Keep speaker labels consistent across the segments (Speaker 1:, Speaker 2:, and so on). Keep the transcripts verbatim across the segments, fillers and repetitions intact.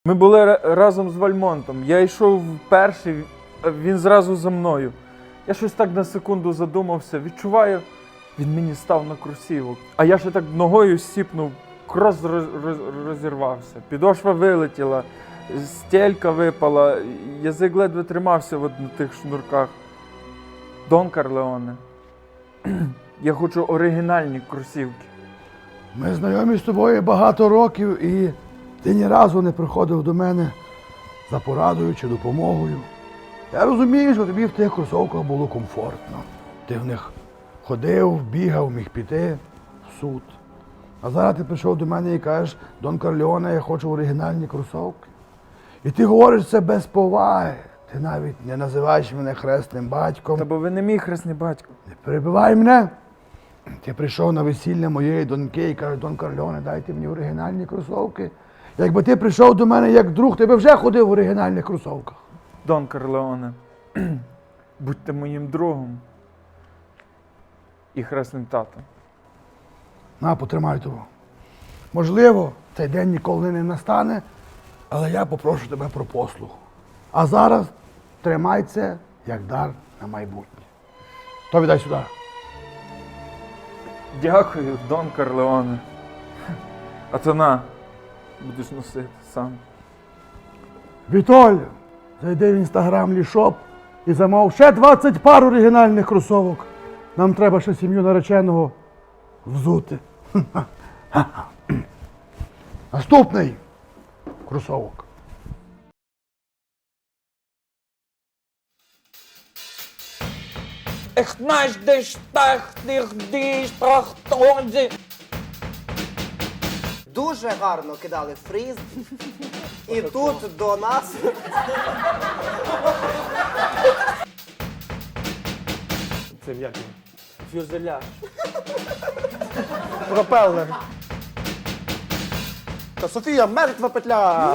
Speaker 1: Ми були разом з Вальмонтом. Я йшов перший, він зразу за мною. Я щось так на секунду задумався, відчуваю, він мені став на кросівок. А я ще так ногою сіпнув, крос роз- роз- розірвався, підошва вилетіла, стелька випала, язик ледве тримався от на тих шнурках. Дон Карлеоне, я хочу оригінальні кросівки.
Speaker 2: Ми знайомі з тобою багато років, і ти ні разу не приходив до мене за порадою чи допомогою. Я розумію, що тобі в тих кросовках було комфортно. Ти в них ходив, бігав, міг піти в суд. А зараз ти прийшов до мене і кажеш: Дон Карлеоне, я хочу оригінальні кросовки. І ти говориш це без поваги. Ти навіть не називаєш мене хресним батьком.
Speaker 1: Та бо ви не мій хресний батько.
Speaker 2: Не перебивай мене. Ти прийшов на весілля моєї доньки і кажеш: Дон Карлеоне, дайте мені оригінальні кросовки. Якби ти прийшов до мене як друг, ти би вже ходив в оригінальних кросовках.
Speaker 1: Дон Карлеоне, будьте моїм другом і хресним татом.
Speaker 2: На, потримай того. Можливо, цей день ніколи не настане, але я попрошу тебе про послуг. А зараз тримай це як дар на майбутнє. То віддай сюди.
Speaker 1: Дякую, Дон Карлеоне. А то на, будеш носити сам.
Speaker 2: Вітоль, зайди в інстаграм Лішоп і замов ще двадцять пар оригінальних кросовок. Нам треба ще сім'ю нареченого взути. Наступний кросовок.
Speaker 3: Ich möchte dich dich прохтонзі.
Speaker 4: Дуже гарно кидали фріз. І тут до нас
Speaker 5: Це як?
Speaker 3: Фюзеляж.
Speaker 5: Пропелер. Та Софія, мертва петля!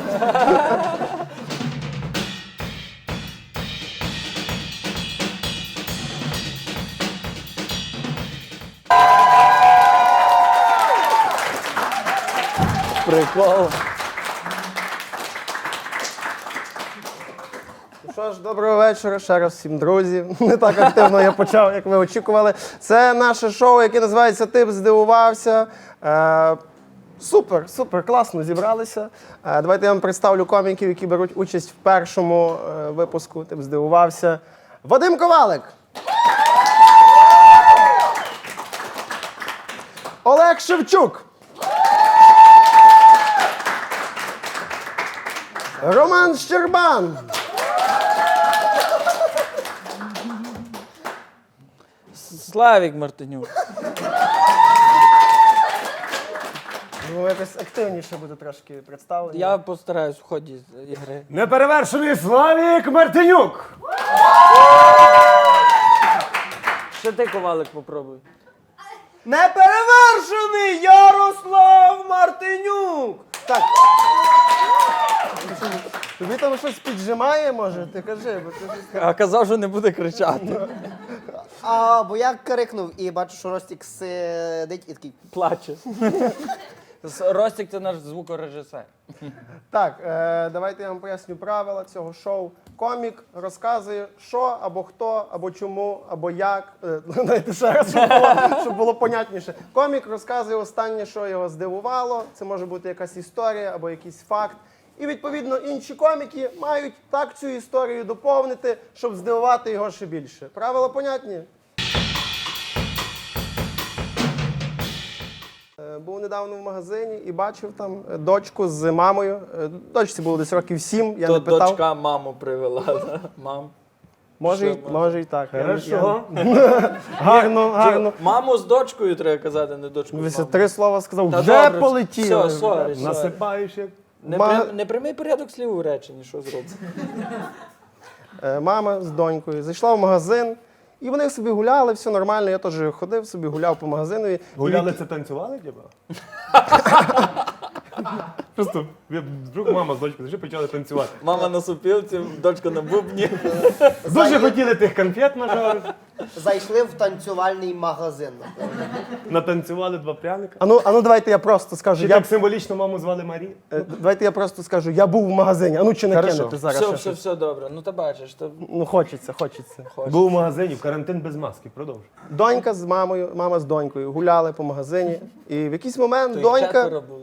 Speaker 3: Прикол.
Speaker 5: Ну що ж, доброго вечора ще раз всім, друзі. Не так активно я почав, як ви очікували. Це наше шоу, яке називається «Тип здивувався». Е, супер, супер, класно зібралися. Е, давайте я вам представлю коміків, які беруть участь в першому е, випуску «Тип здивувався». Вадим Ковалик. Олег Шевчук. Роман Щербан.
Speaker 3: Славік Мартинюк.
Speaker 5: Ну, якось активніше буде трошки представлення.
Speaker 3: Я постараюсь в ході ігри.
Speaker 6: Неперевершений Славік Мартинюк!
Speaker 3: Ще ти, Ковалик, попробуй.
Speaker 5: Неперевершений Ярослав Мартинюк! Так. Тобі там щось піджимає, може? Ти кажи, бо ти щось...
Speaker 3: А казав, що не буде кричати.
Speaker 4: А, бо я крикнув і бачу, що Ростік сидить і такий.
Speaker 3: Плаче. Ростік – це наш звукорежисер.
Speaker 5: Так, е, давайте я вам поясню правила цього шоу. Комік розказує, що, або хто, або чому, або як. Е, Дайте ще раз, щоб було, щоб було понятніше. Комік розказує останнє, що його здивувало. Це може бути якась історія або якийсь факт. І, відповідно, інші коміки мають так цю історію доповнити, щоб здивувати його ще більше. Правила понятні? Е, Був недавно в магазині і бачив там е, дочку з мамою. Е, Дочці було десь років сім, я
Speaker 3: То
Speaker 5: не питав.
Speaker 3: дочка маму привела. да? Мам.
Speaker 5: Може, й-
Speaker 3: Що,
Speaker 5: може і так. Я не-
Speaker 6: Хорошо.
Speaker 5: я- Гарно, гарно.
Speaker 3: Маму з дочкою треба казати, не дочку з
Speaker 5: Дивися,
Speaker 3: мамою.
Speaker 5: три слова сказав,
Speaker 3: Та
Speaker 5: вже
Speaker 3: добре,
Speaker 5: полетіли.
Speaker 3: Все, сорі, сорі.
Speaker 6: Насипаєш як.
Speaker 3: Не,
Speaker 5: Ма-
Speaker 3: при- не прямий порядок слів у реченні, що зробити.
Speaker 5: Е, Мама з донькою зайшла в магазин, і вони собі гуляли, все нормально. Я теж ходив собі, гуляв по магазинові. І
Speaker 6: Гуляли це танцювали, типа? Просто я- вдруг мама з дочкою вже почали танцювати.
Speaker 3: Мама на супілці, дочка на бубні.
Speaker 6: Дуже хотіли тих конфет нажарити.
Speaker 4: Зайшли в танцювальний магазин.
Speaker 6: Натанцювали два пряника.
Speaker 5: А ну, а ну давайте я просто скажу.
Speaker 6: Чи
Speaker 5: Я,
Speaker 6: так символічно маму звали Марія?
Speaker 5: е, давайте я просто скажу, я був в магазині. А ну чи
Speaker 6: Хорошо.
Speaker 5: накинете зараз?
Speaker 3: Все,
Speaker 5: ще
Speaker 3: все,
Speaker 5: щось?
Speaker 3: все добре. Ну та бачиш, то
Speaker 5: Ну хочеться, хочеться.
Speaker 6: Був у магазині, в карантин без маски, продовжуй.
Speaker 5: Донька з мамою, мама з донькою гуляли по магазині. І в якийсь момент
Speaker 3: їх
Speaker 5: донька.
Speaker 3: четверо було.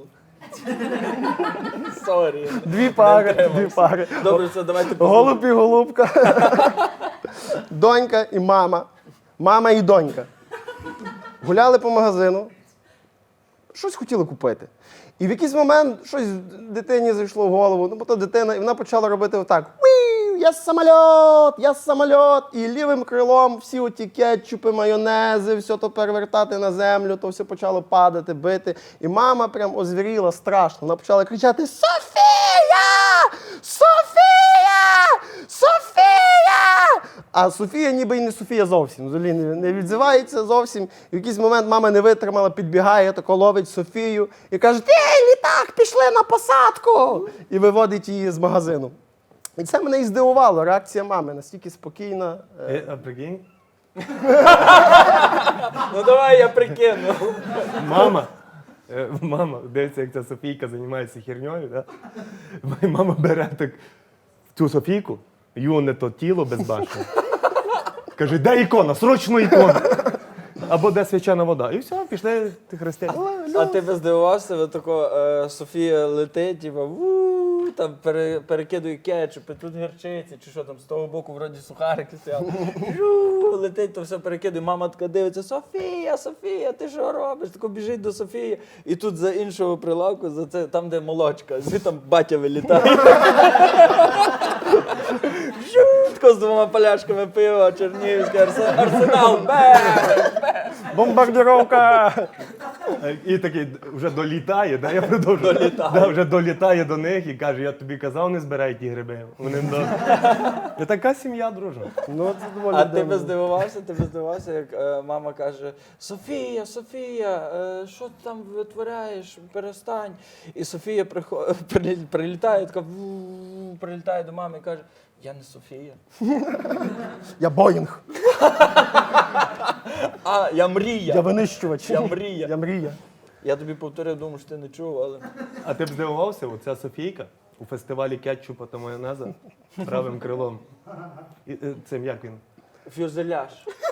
Speaker 3: Сорі.
Speaker 5: Дві пари, дві пари.
Speaker 3: Добре, все, давайте
Speaker 5: Голуб і голубка. Донька і мама. Мама і донька. Гуляли по магазину. Щось хотіли купити. І в якийсь момент щось дитині зайшло в голову. Ну, бо то дитина, і вона почала робити отак. Уі, я самоліт, я самоліт. І лівим крилом всі оті кетчупи, майонези, все то перевертати на землю, то все почало падати, бити. І мама прям озвіріла страшно. Вона почала кричати: Софія! Софія! Софія! А Софія ніби й не Софія зовсім. Взагалі не, не відзивається зовсім. І в якийсь момент мама не витримала, підбігає, тако ловить Софію і каже: ти, літак, пішли на посадку! І виводить її з магазину. І це мене і здивувало, реакція мами настільки спокійна. Е,
Speaker 6: Е, а прикинь?
Speaker 3: Ну давай я прикину.
Speaker 6: Мама. е, Мама, дивиться, як ця Софійка займається херньою, да? І мама бере так цю Софійку, юне то тіло безбашне. Каже, де ікона? Срочно ікона! Або де свячана вода. І все, пішли ти хрестяни.
Speaker 3: А ти би здивувався, ви тако е, Софія летить, типа, ву, там пере, перекидує кетчуп, і тут гірчиці, чи що там, з того боку вроді сухарики стояли. Жу, летить, то все перекидує. Мама така дивиться: Софія, Софія, ти що робиш? Тако біжить до Софії. І тут за іншого прилавку, за це, там, де молочка, звідти там батя вилітає. Жу, тако з двома поляшками пива, Чернігівський арсе- арсенал. Бе!
Speaker 5: Бомбардировка!
Speaker 6: І такий вже долітає, да, я продовжую.
Speaker 3: Долітає.
Speaker 6: Да, вже долітає до них і каже, я тобі казав, не збирай ті гриби. Вони до... І така сім'я, дружна.
Speaker 5: Ну, це доволі
Speaker 3: А ти
Speaker 5: дивно.
Speaker 3: би здивувався, ти би здивувався, як е, мама каже: Софія, Софія, е, що ти там витворяєш? Перестань. І Софія прихо- прилі- прилітає, така ву, прилітає до мами і каже: я не Софія.
Speaker 5: Я Боїнг.
Speaker 3: А, я мрія.
Speaker 5: Я винищувач.
Speaker 3: Я мрія.
Speaker 5: Я мрія.
Speaker 3: Я тобі повторив, думаю, що ти не чув, але.
Speaker 6: А ти б здивувався, оця Софійка у фестивалі кетчупа та майонеза правим крилом. І, е, цим як він?
Speaker 3: Фюзеляж.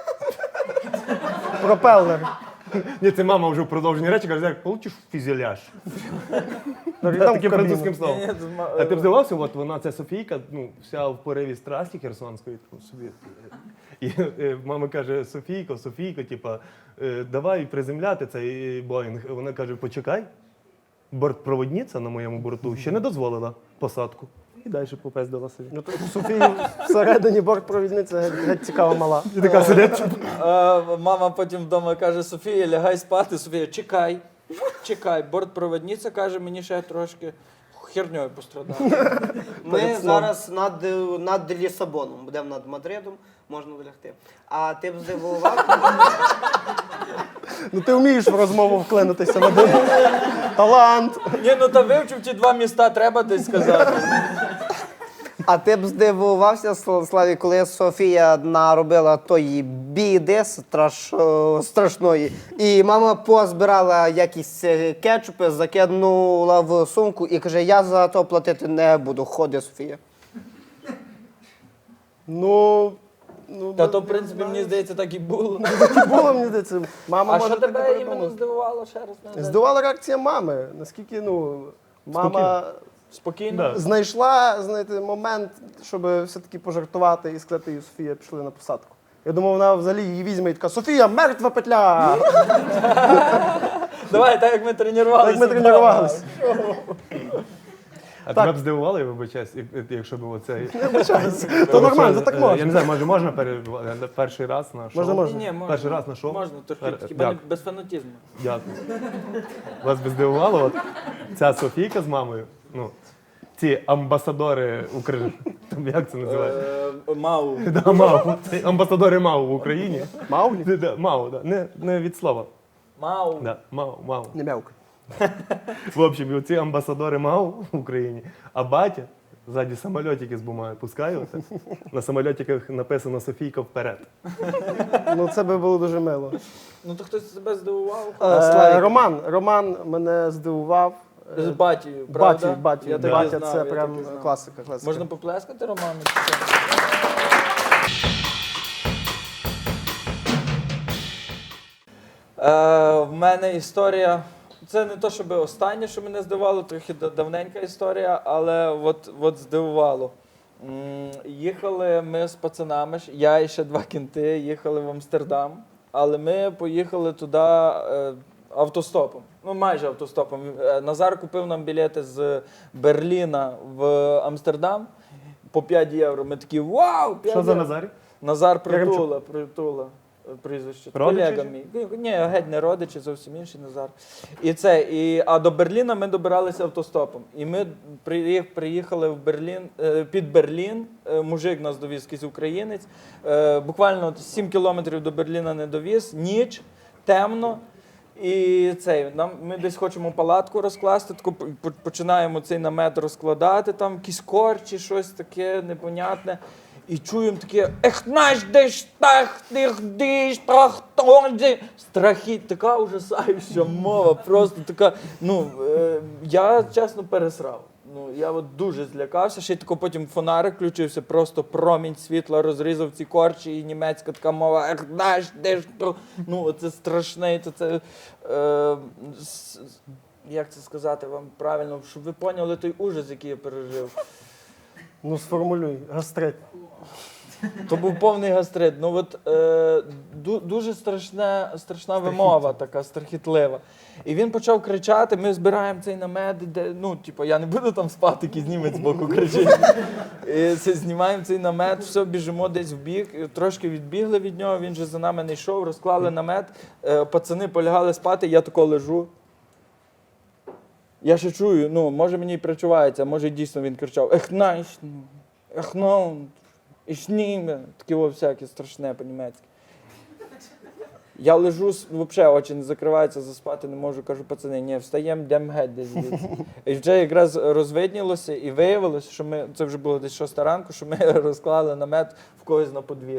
Speaker 5: Пропелер.
Speaker 6: Ні, це мама вже в продовженні речі каже, як получиш фюзеляж.
Speaker 5: Там
Speaker 6: Таким
Speaker 5: кабіну.
Speaker 6: французьким словом.
Speaker 3: Ні, ні, тут ма-
Speaker 6: А ти б здивався, от вона, ця Софійка, ну, вся в пориві страсті херсонської, там, собі. І е, мама каже: Софійко, Софійко, типа, е, давай приземляти цей Боїнг. Вона каже: почекай, бортпроводниця на моєму борту ще не дозволила посадку. І далі попездила собі.
Speaker 5: Ну, то Софії всередині бортпровідниця геть, геть цікава мала.
Speaker 6: І така сидить.
Speaker 3: Е, мама потім вдома каже: Софія, лягай спати. Софія, чекай, чекай. Бортпроводниця каже, мені ще трошки херньою пострадати.
Speaker 4: Ми зараз над, над Лісабоном, будемо над Мадридом, можна лягти. А ти б здивував?
Speaker 5: Ну ти вмієш в розмову вклинитися на диву. Талант.
Speaker 3: Ні, ну та вивчив ті два міста, треба десь сказати.
Speaker 4: А ти б здивувався, Сл- Славі, коли Софія наробила тої біди страш... о, страшної, і мама позбирала якісь е, кетчупи, закинула в сумку і каже: я за то платити не буду. Ходи, Софія.
Speaker 5: Ну, ну
Speaker 3: Та то, в принципі, мені здається, так і було.
Speaker 5: так і було, мені здається. Мама
Speaker 3: А
Speaker 5: може
Speaker 3: що
Speaker 5: таке
Speaker 3: тебе
Speaker 5: придумати.
Speaker 3: іменно здивувало ще раз? нагадай?
Speaker 5: Здивувала реакція мами. Наскільки, ну, мама
Speaker 3: Спокійно?
Speaker 6: Да.
Speaker 5: знайшла, знаєте, момент, щоб все-таки пожартувати і сказати їй: Софія, пішли на посадку. Я думав, вона взагалі її візьме і така: Софія, мертва петля!
Speaker 3: Давай, так як ми тренувалися.
Speaker 5: Так ми тренувалися.
Speaker 6: А тебе б здивувало, я вибачаюсь, як- якщо б оцей...
Speaker 5: То нормально, то так
Speaker 6: Е,
Speaker 5: можна.
Speaker 6: Я не знаю, може можна пере... перший раз на шоу?
Speaker 5: Можна, можна.
Speaker 3: Ні, можна.
Speaker 6: Перший раз на шоу?
Speaker 3: Можна, трохи,
Speaker 6: Е,
Speaker 3: хіба не
Speaker 6: дякую.
Speaker 3: без фанатізму.
Speaker 6: Дякую. Вас би здивувало, от ця Софійка з мамою, ну, ці амбасадори України, там як це називається?
Speaker 3: Е, Мау.
Speaker 6: Да, МАУ. Це амбасадори МАУ в Україні.
Speaker 5: Мауглі?
Speaker 6: Да, да, МАУ, да. Не, не від слова.
Speaker 3: Мау.
Speaker 6: Да, МАУ, МАУ.
Speaker 5: Не мявка.
Speaker 6: В общем, і оці амбасадори МАУ в Україні, а батя Ззаді самольотики з бумагою пускаю. оце. На самольотиках написано Софійка вперед.
Speaker 5: Ну це би було дуже мило.
Speaker 3: Ну то хтось себе здивував?
Speaker 5: Е,
Speaker 4: Славік.
Speaker 5: Роман, Роман мене здивував. Е,
Speaker 3: З батію, правда?
Speaker 5: Баті, баті,
Speaker 3: Я так і
Speaker 5: батя
Speaker 3: знав,
Speaker 5: це
Speaker 3: я
Speaker 5: прям
Speaker 3: так і знав.
Speaker 5: класика, класика.
Speaker 3: Можна поплескати Роману? чи що? Е, в мене історія. Це не то, щоб останнє, що мене здивувало, трохи да- давненька історія, але от, от здивувало. М, Їхали ми з пацанами, ж, я і ще два кінти, їхали в Амстердам, але ми поїхали туди е, автостопом. Ну, майже автостопом. Е, Назар купив нам білети з Берліна в Амстердам по п'ять євро. Ми такі вау! п'ять
Speaker 6: Що за
Speaker 3: євро».
Speaker 6: Назарі?
Speaker 3: Назар
Speaker 5: Яремчук.
Speaker 3: Притула, Притула. е, Прізвище.
Speaker 6: Родичі
Speaker 3: Колега
Speaker 6: чи?
Speaker 3: мій. Ні, Ні, геть не родичі, зовсім інший Назар. І це, і, а до Берліна ми добиралися автостопом. І ми приїх- приїхали в Берлін, е, під Берлін, е, мужик нас довіз, якийсь українець. Е, Буквально от сім кілометрів до Берліна не довіз, ніч, темно. І цей, нам, ми десь хочемо палатку розкласти, тако по- по- починаємо цей намет розкладати, там якісь корчі, щось таке непонятне. І чуємо таке ех наш деш тах тих диш трахтонді. Страхіть, така ужасаюча мова, просто така. Ну, е, я чесно пересрав. Ну, я от дуже злякався, ще й тако потім фонарик включився, просто промінь світла розрізав ці корчі, і німецька така мова, ех, наш, де ж то. Ну, це страшне, то це. Е, с- с- як це сказати вам правильно, щоб ви поняли той ужас, який я пережив.
Speaker 5: Ну сформулюй, гастрит.
Speaker 3: То був повний гастрит. Ну от е, ду, дуже страшна, страшна вимова, така страхітлива. І він почав кричати: ми збираємо цей намет, де ну, типу, я не буду там спати, якийсь німець збоку кричить. І це, знімаємо цей намет, все, біжимо десь в бік, і трошки відбігли від нього, він же за нами не йшов, розклали намет, е, пацани полягали спати, я тако лежу. Я ще чую, ну, може мені і причувається, може дійсно він кричав: ех, найш, ех, ну, ішніме, таке во всяке страшне по-німецьки. Я лежу, взагалі очі не закриваються, заспати не можу, кажу: пацани, ні, встаємо, йдемо геть десь звідси. І вже якраз розвиднілося і виявилося, що ми, це вже було десь шоста ранку, що ми розклали намет в когось на подвір'ї.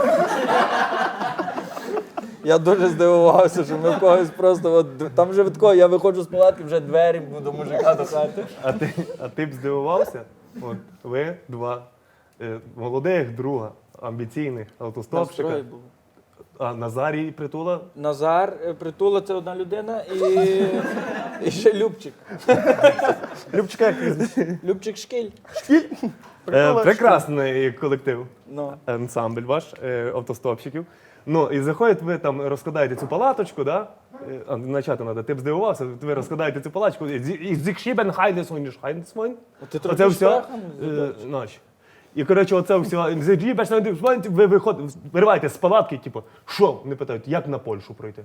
Speaker 3: Я дуже здивувався, що ми в когось просто, от, там вже від кого, я виходжу з палатки, вже двері до мужика до хати.
Speaker 6: А ти, а ти б здивувався? От ви два е, молодих друга, амбіційних
Speaker 3: Нам
Speaker 6: автостопщика.
Speaker 3: троє було.
Speaker 6: А Назарій і Притула.
Speaker 3: Назар, е, Притула — це одна людина, і, і ще Любчик.
Speaker 5: Любчика, як прізвище?
Speaker 3: Любчик Шкіль.
Speaker 6: Е,
Speaker 5: Притула,
Speaker 6: прекрасний колектив,
Speaker 3: Ну.
Speaker 6: ансамбль ваш, е, автостопщиків. Ну, і заходять, ви там розкладаєте цю палаточку, да? Е, А, начати треба, ти б здивувався, ви розкладаєте цю палаточку, і зікшібен хайдесойн, хайдесойн.
Speaker 3: Ти трохи
Speaker 6: Оце все,
Speaker 3: штрахом
Speaker 6: е,
Speaker 3: задачі.
Speaker 6: ночі. І, коротше, оце все, ви виходите, вириваєте з палатки, типу, що? Вони питають, як на Польщу пройти?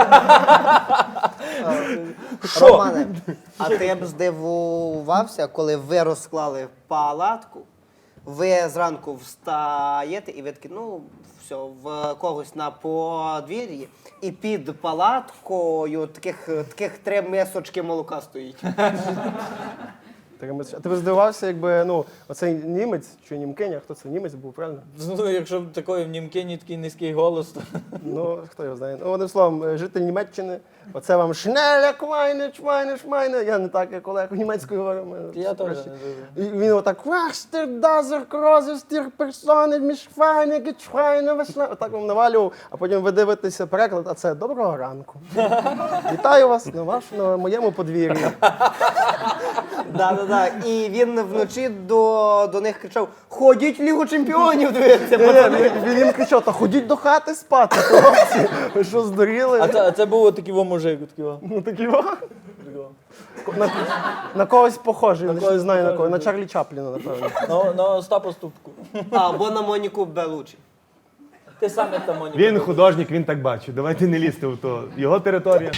Speaker 4: Романе, а ти б здивувався, коли ви розклали палатку, ви зранку встаєте і ви такі, ну, все, в когось на подвір'ї, і під палаткою таких, таких три мисочки молока стоїть.
Speaker 5: Таке ми- А ти б здивувався, якби, ну, оцей німець, чи німкиня, хто це, німець був, правильно?
Speaker 3: Ну, якщо б такої в Німкені такий низький голос, то
Speaker 5: Ну, хто його знає. Ну, одним словом, е, житель Німеччини, оце вам шнеля, квайне, чвайне, шмайне. Я не так, як Олег німецькою говорю. ми
Speaker 3: я теж
Speaker 5: краще.
Speaker 3: не дуже.
Speaker 5: І він отак, «Вахстер, дазер, крозер, стір, персони, мішфайне, гечфайне, весна». Отак вам навалював, а потім ви дивитеся переклад, а це «Доброго ранку». Вітаю вас на, ваш, на моєму подвір'ї.
Speaker 4: Да-да-да. І він вночі до, до них кричав: ходіть в Лігу чемпіонів, дивіться.
Speaker 5: Ні, ні, він, він їм кричав, та ходіть до хати спати, хлопці. Ви що, здуріли?
Speaker 3: А це, а це був отакий во мужик, такий во.
Speaker 5: Ну такі во. На, на когось похожий, я не
Speaker 3: когось
Speaker 5: знаю на
Speaker 3: похожий,
Speaker 5: кого. На
Speaker 3: да.
Speaker 5: Чарлі Чапліна, напевно.
Speaker 3: На, на Остапа Ступку.
Speaker 4: Або на Моніку Белучі.
Speaker 3: Ти сам як там Моніка.
Speaker 6: Він художник, він так бачить. Давайте не лізти в то. Його територія.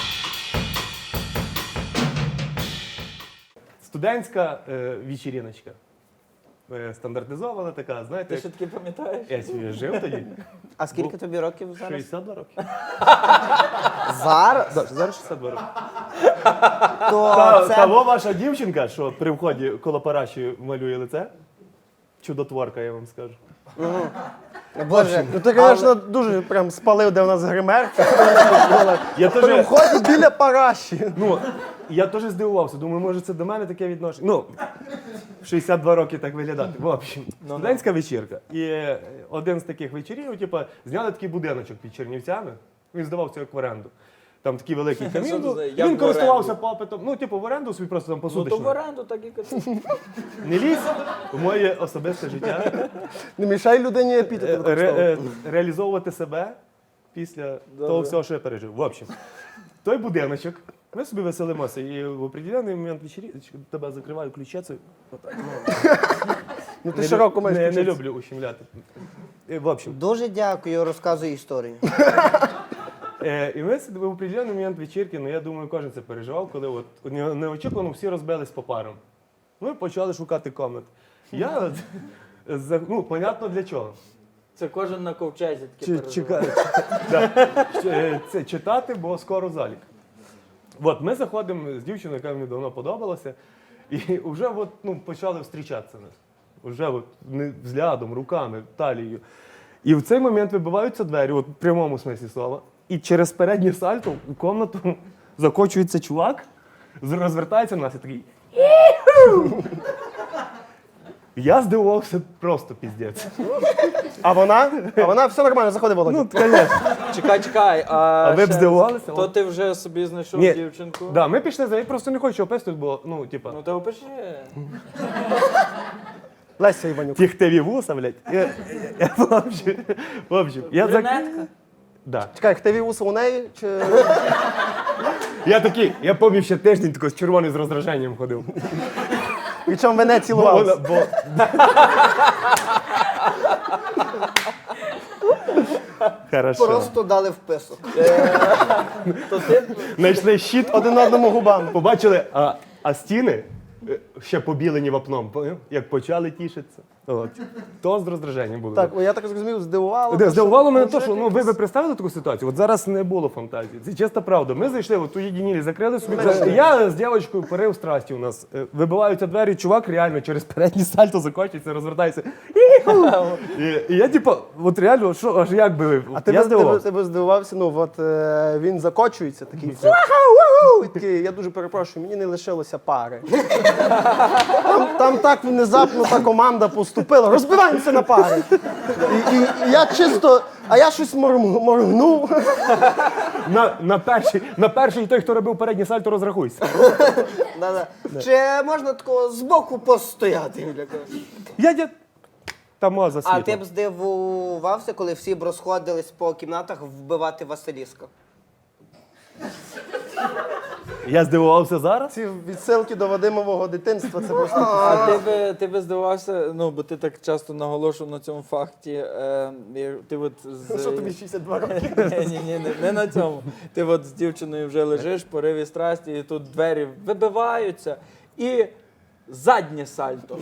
Speaker 6: Студентська е, вечіріночка. Е, стандартизована така, знаєте.
Speaker 3: Ти
Speaker 6: як-
Speaker 3: ще таки пам'ятаєш?
Speaker 6: Я собі жив тоді.
Speaker 4: А скільки тобі років зараз?
Speaker 6: шістдесят два роки.
Speaker 4: Зараз?
Speaker 6: Да, зараз шістдесят два роки.
Speaker 4: То
Speaker 6: Та,
Speaker 4: це
Speaker 6: Того ваша дівчинка, що при вході коло параші малює лице. Чудотворка, я вам скажу.
Speaker 4: Боже.
Speaker 5: Ну ти, звісно, дуже прям спалив, де в нас гримерка.
Speaker 6: Я
Speaker 5: При
Speaker 6: теж,
Speaker 5: вході біля параші.
Speaker 6: ну, я теж здивувався. Думаю, може це до мене таке відношення. Ну, в шістдесят два роки так виглядати. В общем, студентська вечірка. І е, один з таких вечорів, типу, зняли такий будиночок під Чернівцями. Він здавався як в оренду. Там такий великий
Speaker 3: Що
Speaker 6: камін
Speaker 3: це
Speaker 6: був.
Speaker 3: за- як
Speaker 6: Він
Speaker 3: в
Speaker 6: користувався
Speaker 3: оренду?
Speaker 6: попитом. Ну, типу, в оренду собі просто там
Speaker 3: Ну то в
Speaker 6: посуточно.
Speaker 3: оренду так і казав.
Speaker 6: Не лізь в моє особисте життя.
Speaker 5: Не мішай людині
Speaker 6: Е,
Speaker 5: епітети
Speaker 6: ре-
Speaker 5: використовувати.
Speaker 6: е, реалізовувати себе після того всього, що я пережив. В общем, той будиночок, ми собі веселимося, і в определений момент вечері тебе закриваю ключецею. Отак, ну,
Speaker 5: Ну ти
Speaker 6: не,
Speaker 5: широко
Speaker 6: лю-
Speaker 5: маєш
Speaker 6: не, не
Speaker 5: ключиці.
Speaker 6: люблю ущемляти. І, в общем,
Speaker 4: Дуже дякую, розказуй історію.
Speaker 6: е, і ми сидимо в определений момент вечірки, ну я думаю, кожен це переживав, коли от не- неочікувано всі розбились по парам. Ми почали шукати комнат. Я, за- ну, понятно для чого.
Speaker 3: Це кожен на ковчезі таке
Speaker 6: Чи-
Speaker 3: переживає.
Speaker 6: чека- да. Е, Це читати, бо скоро залік. От ми заходимо з дівчиною, яка мені давно подобалася, і вже от, ну, почали зустрічатися нас. Уже от, не взглядом, руками, талією. І в цей момент вибиваються двері, от в прямому смислі слова, і через переднє сальто у кімнату закочується чувак, з- розвертається на нас і такий. «Іху!» Я здивувався просто піздець.
Speaker 5: А вона? А вона все нормально, заходи, Володя.
Speaker 6: Ну, звісно.
Speaker 3: Чекай, чекай. А,
Speaker 6: А ви б
Speaker 3: ще-
Speaker 6: здивувалися?
Speaker 3: То ти вже собі знайшов
Speaker 6: Ні.
Speaker 3: дівчинку?
Speaker 6: Да, ми пішли за я просто не хочу описувати, бо ну, типа,
Speaker 3: Ну то опиши.
Speaker 5: Леся Іванюк.
Speaker 6: тіхтеві вуса, блядь. Я, я, в общем, в общем, я, зак...
Speaker 3: Брюнетка?
Speaker 6: да.
Speaker 5: Чекай, хтиві вуса у неї? Чи...
Speaker 6: я такий, я пам'ятаю ще тиждень тако з червоним з роздраженням ходив.
Speaker 5: І чому ви не
Speaker 6: Бо, вона-
Speaker 5: цілувалися?
Speaker 6: бо... Хорошо.
Speaker 4: Просто дали вписок.
Speaker 3: То ти
Speaker 6: Знайшли щит,
Speaker 5: Один одному губам.
Speaker 6: побачили, а, а стіни е, ще побілені вапном, поняв? Як почали тішитися. От. То з роздраженням було.
Speaker 5: Так, я так зрозумів, здивувало.
Speaker 6: Де,
Speaker 5: те,
Speaker 6: здивувало мене
Speaker 5: мужик
Speaker 6: те, що ну, ви
Speaker 5: якийсь-
Speaker 6: би представили таку ситуацію. От зараз не було фантазії. Це чиста правда. Ми зайшли, от уєдинілі, закрили собі. Я з дівчинкою порив страсті у нас. Е, Вибиваються двері, чувак реально через переднє сальто закочується, розвертається. «Іху!» І, і я, типу, от реально, що аж як би ви.
Speaker 5: А ти
Speaker 6: я
Speaker 5: би, ти, би,
Speaker 6: здивувався.
Speaker 5: ти би здивувався, ну от е, він закочується, такий «Вау-вау-вау!» і такий, я дуже перепрошую, мені не лишилося пари. Там, там так внезапно та команда поступила, розбиваємося на пари. І, і, і я чисто, а я щось морм- моргнув.
Speaker 6: На, на, перший, на перший той, хто робив переднє сальто, розрахуйся.
Speaker 4: Да-да. Чи можна такого збоку постояти?
Speaker 6: Я дя... Та моза
Speaker 4: А
Speaker 6: світло.
Speaker 4: ти б здивувався, коли всі б розходились по кімнатах вбивати Василіска?
Speaker 6: Я здивувався зараз.
Speaker 5: Ці відсилки до Вадимового дитинства, це просто.
Speaker 3: А ти би, ти би здивався, ну, бо ти так часто наголошував на цьому факті. Е, і ти от з...
Speaker 5: Що тобі шістдесят два роки?
Speaker 3: Ні, ні, ні, не, не на цьому. Ти от з дівчиною вже лежиш, пориві страсті, і тут двері вибиваються, і заднє сальто.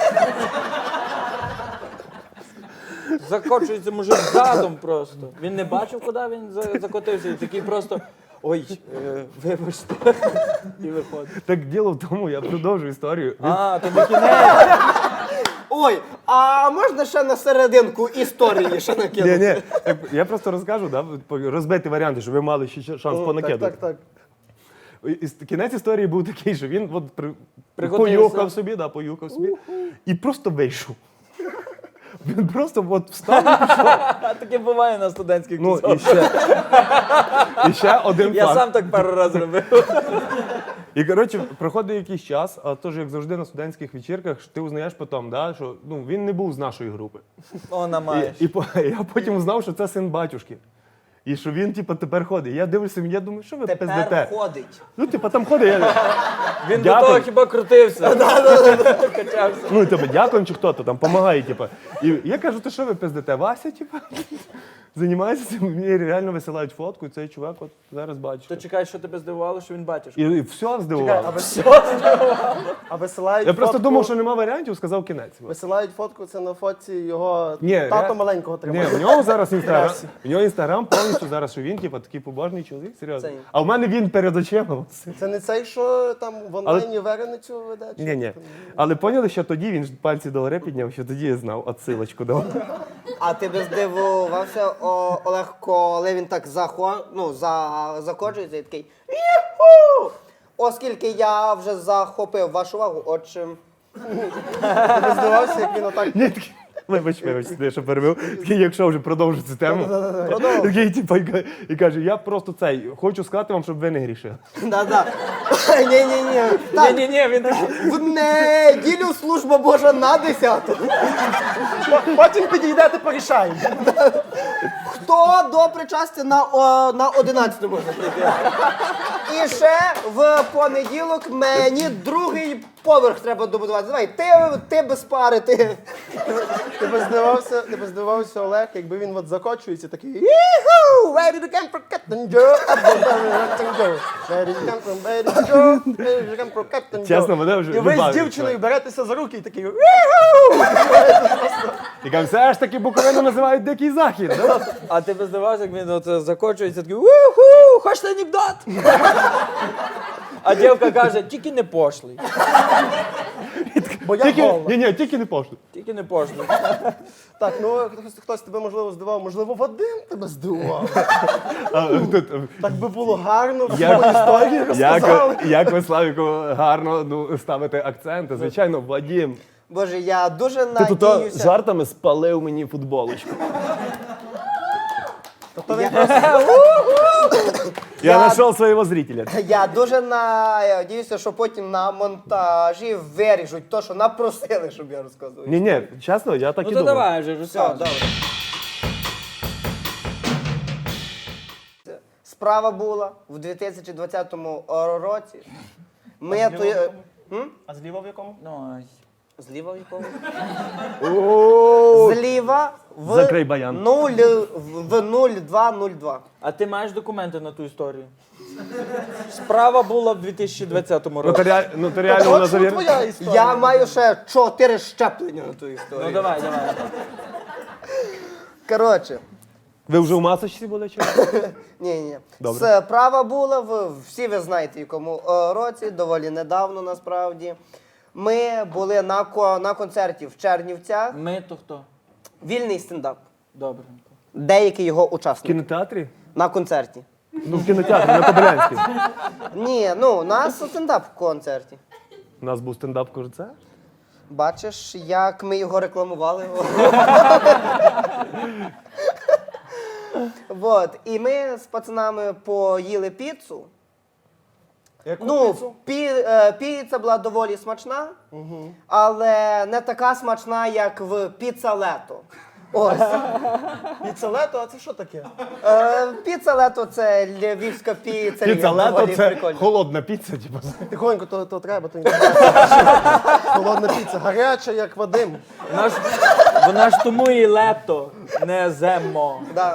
Speaker 3: Закочується мужик задом просто. Він не бачив, куди він за- закотився, і такий просто. Ой, е, вибачте. І виходить.
Speaker 6: Так діло в тому, я продовжу історію. Він-
Speaker 3: А, то не кінець.
Speaker 4: Ой, а можна ще на серединку історії ще
Speaker 6: Ні,
Speaker 4: накинути?
Speaker 6: ні, так, я просто розкажу, да, по- розбити варіанти, щоб ви мали ще ще шанс
Speaker 5: Так,
Speaker 6: понакидати.
Speaker 5: так, так.
Speaker 6: І с- Кінець історії був такий, що він от при...
Speaker 3: Приготився.
Speaker 6: поюхав собі, да, поюхав собі, і просто вийшов. Він просто от встав.
Speaker 3: А таке буває на студентських
Speaker 6: Ну, і
Speaker 3: тусовках.
Speaker 6: ще, і ще один
Speaker 3: Я
Speaker 6: факт.
Speaker 3: сам так пару разів робив.
Speaker 6: І, коротше, проходить якийсь час, а теж, як завжди, на студентських вечірках, що ти узнаєш потім, да, що ну, він не був з нашої групи.
Speaker 3: Вона
Speaker 6: І,
Speaker 3: маєш.
Speaker 6: і, по- я потім узнав, що це син батюшки. І що він, типу, тепер ходить. Я дивлюся, я думаю, що ви
Speaker 4: Тепер
Speaker 6: пиздите?
Speaker 4: ходить.
Speaker 6: Ну, типу, там ходить. Я...
Speaker 3: Він до
Speaker 6: Дякую.
Speaker 3: того хіба крутився. Качався.
Speaker 6: Ну, і тебе дякуємо, чи хто-то там допомагає, типу. І я кажу, то що ви пиздите? Вася, типу? займаюся цим, мені реально висилають фотку, і цей чувак от зараз
Speaker 3: То
Speaker 6: бачите.
Speaker 3: чекай, що тебе здивувало, що він батюшка.
Speaker 6: І, і все
Speaker 5: Чекай, а,
Speaker 6: здивувало.
Speaker 5: вис... а висилають
Speaker 6: Я просто
Speaker 5: фотку...
Speaker 6: думав, що нема варіантів, сказав кінець.
Speaker 5: Висилають фотку, це на фотці його
Speaker 6: Ні,
Speaker 5: тато
Speaker 6: ре-
Speaker 5: маленького
Speaker 6: Ні,
Speaker 5: тримає.
Speaker 6: в нього зараз інстаграм. В нього інстаграм повністю зараз, що він, типу, такий побожний чоловік, серйозно.
Speaker 5: Це-
Speaker 6: А в мене він перед очима.
Speaker 5: Це не цей, що там в онлайні Вереницю веде? чи
Speaker 6: Ні, ні.
Speaker 5: там?
Speaker 6: Але поняли, що тоді він ж пальці догори підняв, що тоді я знав, отсилочку дав.
Speaker 4: А ти би здивувався, о, Олег, коли він так захо... ну, за... закоджується і такий «Юху!» Оскільки я вже захопив вашу увагу, отже,
Speaker 5: Ти не здивався, як він отак.
Speaker 6: Ні, такий, вибач, вибач, я що перебив. Такий, якщо вже продовжу цю тему. Такий, типу, і ка- і каже, я просто цей, хочу сказати вам, щоб ви не грішили.
Speaker 4: да-да. Ні-ні-ні. Так,
Speaker 3: Ні-ні-ні, він такий.
Speaker 4: в неділю служба Божа на десяту.
Speaker 5: Потім підійдете, порішаємо.
Speaker 4: Хто до причастя на, о, на одинадцяту може прийти? І ще в понеділок мені другий поверх треба добудувати. Давай, ти, ти без пари, ти.
Speaker 5: Ти би здивався, ти би здивався, Олег, якби він от закочується такий
Speaker 4: Іху! Ready to camp for Captain Joe.
Speaker 5: Ready to camp from ready to go, ready to camp for Captain Joe.
Speaker 6: Чесно, мене вже
Speaker 5: І ви з
Speaker 6: любавить,
Speaker 5: дівчиною
Speaker 6: чувак.
Speaker 5: беретеся за руки і такий
Speaker 6: І каже, все ж таки Буковину називають Дикий Захід. Да?
Speaker 3: А ти би здивався, як він от е, закочується, такий уху, хочете анекдот? А дівка каже, тільки не пошлий.
Speaker 5: бо я
Speaker 6: Тільки,
Speaker 5: голодна.
Speaker 6: ні, ні, тільки не пошлю.
Speaker 3: Тільки не пошлий.
Speaker 5: Так, ну хтось, хтось тебе можливо здивував, можливо, Вадим тебе здивував.
Speaker 6: А, тут, е,
Speaker 5: Так би було гарно, в
Speaker 6: Як-
Speaker 5: своїй історії розказали.
Speaker 6: Як, як ви, Славіку, гарно ну, ставите акценти. Звичайно, Вадім.
Speaker 4: Боже, я дуже
Speaker 6: Ти тут а,
Speaker 4: надіюся.
Speaker 6: жартами спалив мені футболочку.
Speaker 5: Тобто він
Speaker 6: Я
Speaker 4: Я-
Speaker 6: знайшов свого зрителя.
Speaker 4: Я дуже надіюся, що потім на монтажі виріжуть то, що напросили, щоб я розказував.
Speaker 6: Ні, ні, чесно, я так
Speaker 3: Ну
Speaker 6: і
Speaker 3: то
Speaker 6: думав.
Speaker 3: давай вже,
Speaker 4: Все,
Speaker 3: розказуй.
Speaker 4: добре. Справа була в дві тисячі двадцятому році. Ми то...
Speaker 5: А зліва в якому?
Speaker 3: Ну, ай.
Speaker 4: Зліва в якому?
Speaker 6: О,
Speaker 4: Зліва в
Speaker 6: Закрий баян.
Speaker 4: нуль, в нуль два нуль два.
Speaker 3: А ти маєш документи на ту історію? Справа була в дві тисячі двадцятому році.
Speaker 6: Нотаріаль- Нотаріально вона
Speaker 5: Точно
Speaker 6: завір...
Speaker 5: твоя історія.
Speaker 4: Я маю ще чотири щеплення на ту історію.
Speaker 3: Ну давай, давай.
Speaker 4: Коротше,
Speaker 6: Ви вже в масочці були чи?
Speaker 4: ні, ні.
Speaker 6: Добре.
Speaker 4: Справа була в всі ви знаєте, в якому е, році, доволі недавно насправді. Ми були на, ко- на концерті в Чернівцях.
Speaker 3: Ми то хто?
Speaker 4: Вільний стендап.
Speaker 3: Добре.
Speaker 4: Деякі його
Speaker 6: В
Speaker 4: учасники.
Speaker 6: кінотеатрі?
Speaker 4: На концерті.
Speaker 6: Ну, в кінотеатрі, на Кобилянській.
Speaker 4: Ні, ну, у нас стендап в концерті.
Speaker 6: У нас був стендап-концерт.
Speaker 4: Бачиш, як ми його рекламували. Вот. І ми з пацанами поїли піцу.
Speaker 5: Яку
Speaker 4: Ну,
Speaker 5: піцу?
Speaker 4: пі, е, піца була доволі смачна, але не така смачна, як в піца лето. Ось.
Speaker 5: Піца лето, а це що таке?
Speaker 4: Е, піца лето це львівська піца.
Speaker 6: Піца лето
Speaker 4: доволі
Speaker 6: це
Speaker 4: прикольна.
Speaker 6: холодна піца, типу.
Speaker 5: Тихонько, то, то треба, то не холодна піца, гаряча, як Вадим.
Speaker 3: Вона ж, вона ж тому і лето, не земо.
Speaker 4: Да.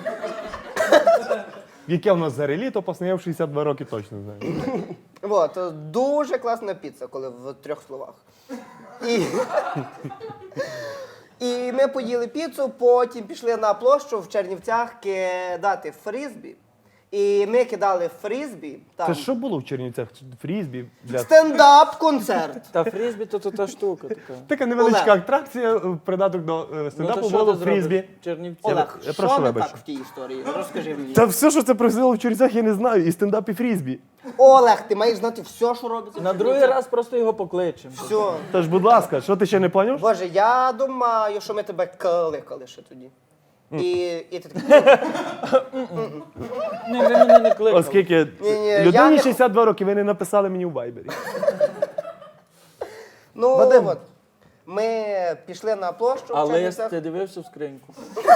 Speaker 6: Яке в нас за літо, пацани, я в шістдесят два роки точно знаю.
Speaker 4: Вот. Дуже класна піца, коли в трьох словах. І... І ми поїли піцу, потім пішли на площу в Чернівцях кидати фрізбі. І ми кидали фрізбі. Там.
Speaker 6: Це що було в Чернівцях? Фрізбі? Бля.
Speaker 4: Стендап-концерт.
Speaker 3: Та фрізбі то, то та штука така.
Speaker 6: Така невеличка
Speaker 4: Олег.
Speaker 6: атракція, в придаток до е,
Speaker 3: Ну
Speaker 6: стендапу
Speaker 3: то що
Speaker 6: було
Speaker 3: ти зробиш?
Speaker 6: фрізбі.
Speaker 3: Чернівці.
Speaker 4: Олег,
Speaker 6: я
Speaker 4: що
Speaker 6: прошу
Speaker 4: не
Speaker 6: вибачення.
Speaker 4: так в тій історії? Розкажи мені.
Speaker 6: Та все, що це происходило в Чернівцях, я не знаю. І стендап, і фрізбі.
Speaker 4: Олег, ти маєш знати все, що робиться. в
Speaker 3: На другий
Speaker 4: Чернівцях.
Speaker 3: раз просто його покличемо.
Speaker 4: Все.
Speaker 6: Тож, будь ласка, що ти ще не поняв?
Speaker 4: Боже, я думаю, що ми тебе кликали ще тоді. І, і ти такий,
Speaker 3: Ні, ви мене не кликали.
Speaker 6: Оскільки
Speaker 4: Ні-ні, я
Speaker 6: людині
Speaker 4: не-
Speaker 6: шістдесят два роки, ви не написали мені у Вайбері.
Speaker 4: ну
Speaker 5: Вадим.
Speaker 4: от. Ми пішли на площу
Speaker 3: А
Speaker 4: в
Speaker 3: лист,
Speaker 4: Чернівцях.
Speaker 3: ти дивився в скриньку?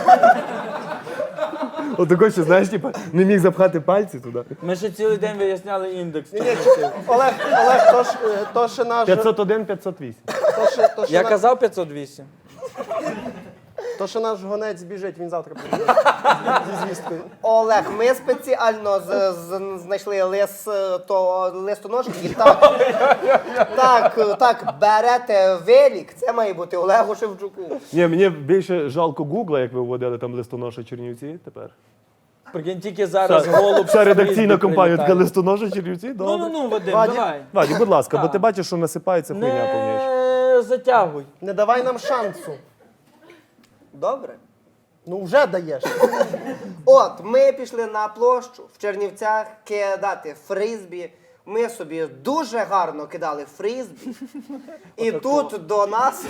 Speaker 6: Отако, що, знаєш, типа, не міг запхати пальці туди.
Speaker 3: Ми ще цілий день виясняли індекс.
Speaker 5: Ні, ні, чи- Олег, Олег, то ж, е, то ще наш...
Speaker 6: п'ятсот один п'ятсот вісім.
Speaker 5: То ще, то ще
Speaker 3: Я
Speaker 5: на-
Speaker 3: казав п'ятсот вісім.
Speaker 5: То, що наш гонець біжить, він завтра прийде зі звісткою.
Speaker 4: Олег, ми спеціально з, з, знайшли лис, то, листоножки і так, так, так, берете велик, це має бути Олегу Шевчуку.
Speaker 6: Ні, мені більше жалко Гугла, як ви вводили там листоноша Чернівці тепер.
Speaker 3: Прикинь, тільки зараз
Speaker 6: Вся-
Speaker 3: голуб.
Speaker 6: Вся
Speaker 3: з
Speaker 6: редакційна
Speaker 3: Фрізбі
Speaker 6: компанія така
Speaker 3: прилітає.
Speaker 6: листоноша Чернівці,
Speaker 3: Ну,
Speaker 6: добре.
Speaker 3: ну, ну, Вадим,
Speaker 5: Вадим?
Speaker 3: давай.
Speaker 6: Вадік, будь ласка, бо
Speaker 3: Так.
Speaker 6: ти бачиш, що насипається хуйня повніше.
Speaker 3: Не затягуй.
Speaker 5: Не давай нам шансу.
Speaker 4: Добре.
Speaker 5: Ну вже даєш.
Speaker 4: От, ми пішли на площу в Чернівцях кидати фризбі. Ми собі дуже гарно кидали фризбі. І тут до нас.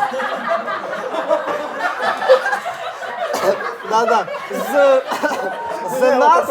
Speaker 4: Да-да. З, з нас.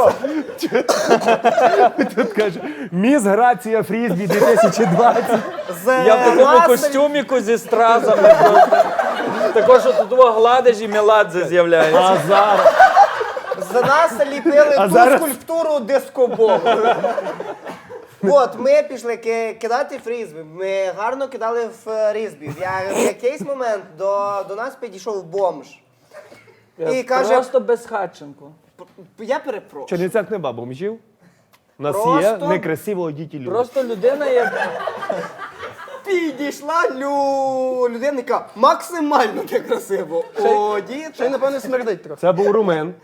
Speaker 6: Тут каже, міс Грація Фрізбі дві тисячі двадцять.
Speaker 4: З
Speaker 3: Я в такому
Speaker 4: нас-
Speaker 3: костюміку зі стразами просто. Також що тут того гладиш і Меладзе з'являється.
Speaker 6: А зараз.
Speaker 4: З нас ліпили
Speaker 6: А
Speaker 4: ту
Speaker 6: зараз-
Speaker 4: скульптуру дискоболу. От, ми пішли ки- кидати фрізбі. Ми гарно кидали фрізбі. В я- в якийсь момент до, до нас підійшов бомж. І каже,
Speaker 3: Просто безхатченко.
Speaker 4: я перепрошую.
Speaker 6: В Чернівцях нема бомжів. У нас є
Speaker 4: Просто-
Speaker 6: некрасиво одіті люди.
Speaker 3: Просто людина, як
Speaker 4: Підійшла лю... людина, яка максимально некрасиво
Speaker 5: Ще й,
Speaker 4: одіта.
Speaker 5: напевно, смердить трохи.
Speaker 6: Це був румен.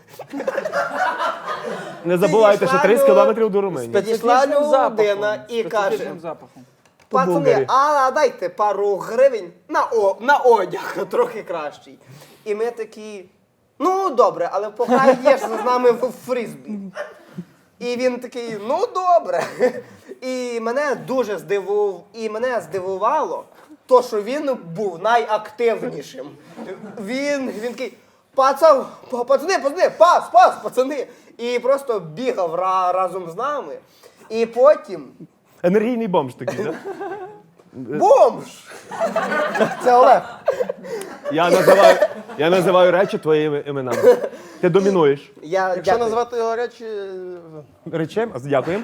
Speaker 6: Не забувайте, що тридцять кілометрів до Руменії.
Speaker 4: Підійшла
Speaker 3: специфічним
Speaker 4: людина
Speaker 3: запахом.
Speaker 4: і каже,
Speaker 3: Специфічним запахом.
Speaker 4: пацани,
Speaker 6: Булгарі.
Speaker 4: а дайте пару гривень на, о, на одяг трохи кращий. І ми такі, ну добре, але пограєш з нами в фрізбі. І він такий, ну добре. І мене дуже здивував, і мене здивувало, то, що він був найактивнішим. Він, він такий, пацан, па- пацани, пацани, пас, пас, пацани. І просто бігав ра- разом з нами. І потім
Speaker 6: Енергійний бомж такий, так?
Speaker 4: бомж!
Speaker 5: Це Олег.
Speaker 6: Я називаю, я називаю речі твоїми іменами. Ти домінуєш.
Speaker 4: Я
Speaker 5: Якщо
Speaker 4: дякую.
Speaker 5: назвати його речі,
Speaker 6: Речем? Дякуємо.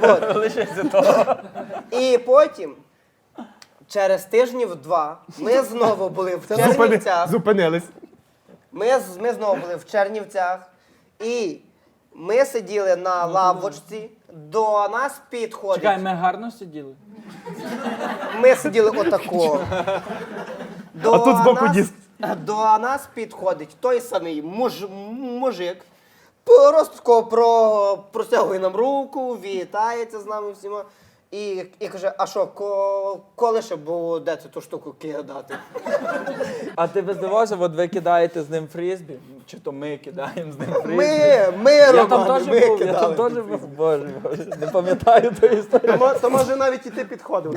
Speaker 4: І потім, через тижнів два, ми знову були в
Speaker 6: Зупини,
Speaker 4: Чернівцях.
Speaker 6: зупинились.
Speaker 4: Ми, з- ми знову були в Чернівцях. І ми сиділи на лавочці, до нас підходить.
Speaker 3: Чекай, ми гарно сиділи.
Speaker 4: Ми сиділи отако. До
Speaker 6: А тут збоку
Speaker 4: нас-
Speaker 6: диск.
Speaker 4: До нас підходить той самий муж, мужик, просто тако про, простягує нам руку, вітається з нами всіма. І, і каже, а що, ко, коли ще будете ту штуку кидати?
Speaker 3: А ти би здивався, от ви кидаєте з ним фрізбі? Чи то ми кидаємо з ним фрізбі?
Speaker 4: Ми, ми,
Speaker 3: Я там
Speaker 4: Романе,
Speaker 3: теж
Speaker 4: ми
Speaker 3: був, я там
Speaker 4: кидали.
Speaker 3: теж був. Боже, боже, не пам'ятаю ту історію.
Speaker 5: то, мо- то може навіть і ти підходив.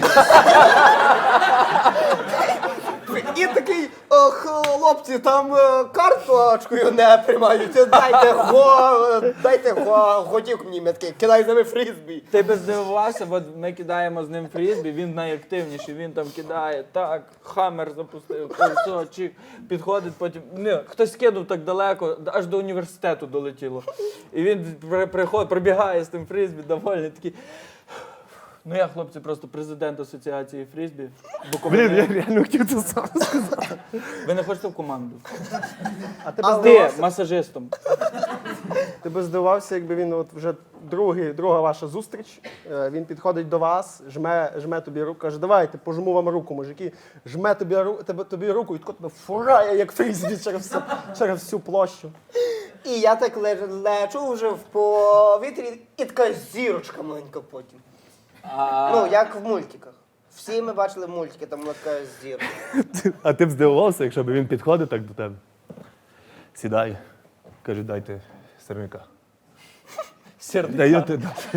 Speaker 4: І такий, «О, хлопці, там е, карточкою не приймаються, дайте го, дайте го, готівку мені, я такий, кидай з нами фрізбі.
Speaker 3: Ти би здивувався, от ми кидаємо з ним фрізбі, він найактивніший, він там кидає, так, хаммер запустив, все, чик, підходить, потім, не, хтось кинув так далеко, аж до університету долетіло. І він при- приходить, прибігає з тим фрізбі, довольний, такий. Ну я, хлопці, просто президент асоціації фрізбі.
Speaker 6: Блін, я реально хотів це сам сказати.
Speaker 3: Ви не хочете в команду?
Speaker 5: А тебе
Speaker 3: А ти
Speaker 5: здивувався,
Speaker 3: масажистом.
Speaker 5: ти би здивувався, якби він от вже другий, друга ваша зустріч, е, він підходить до вас, жме, жме тобі руку, каже, давайте, пожму вам руку, мужики. Жме тобі, ру- тебе, тобі руку і тако тебе фурає, як фрізбі через всю, через всю площу.
Speaker 4: І я так ле- лечу вже в повітрі, і така зірочка маленька потім.
Speaker 3: А,
Speaker 4: Ну, як в мультиках. Всі ми бачили мультики, там була така зірка.
Speaker 6: А ти б здивувався, якщо б він підходив так до тебе. Сідай. Каже, дайте сирника.
Speaker 3: сірник.
Speaker 6: Даєте,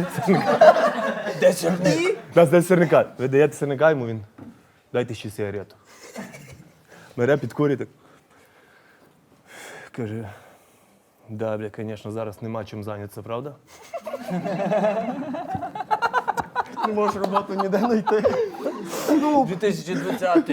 Speaker 3: Де сірник?
Speaker 4: І
Speaker 6: Нас дасть сирника. Ви даєте сирника йому, він. Дайте ще сигарету. Бере, підкурює так. Каже, да, бля, звісно, зараз нема чим зайнятися, правда?
Speaker 5: Не можеш роботу ніде знайти.
Speaker 3: дві тисячі двадцятий.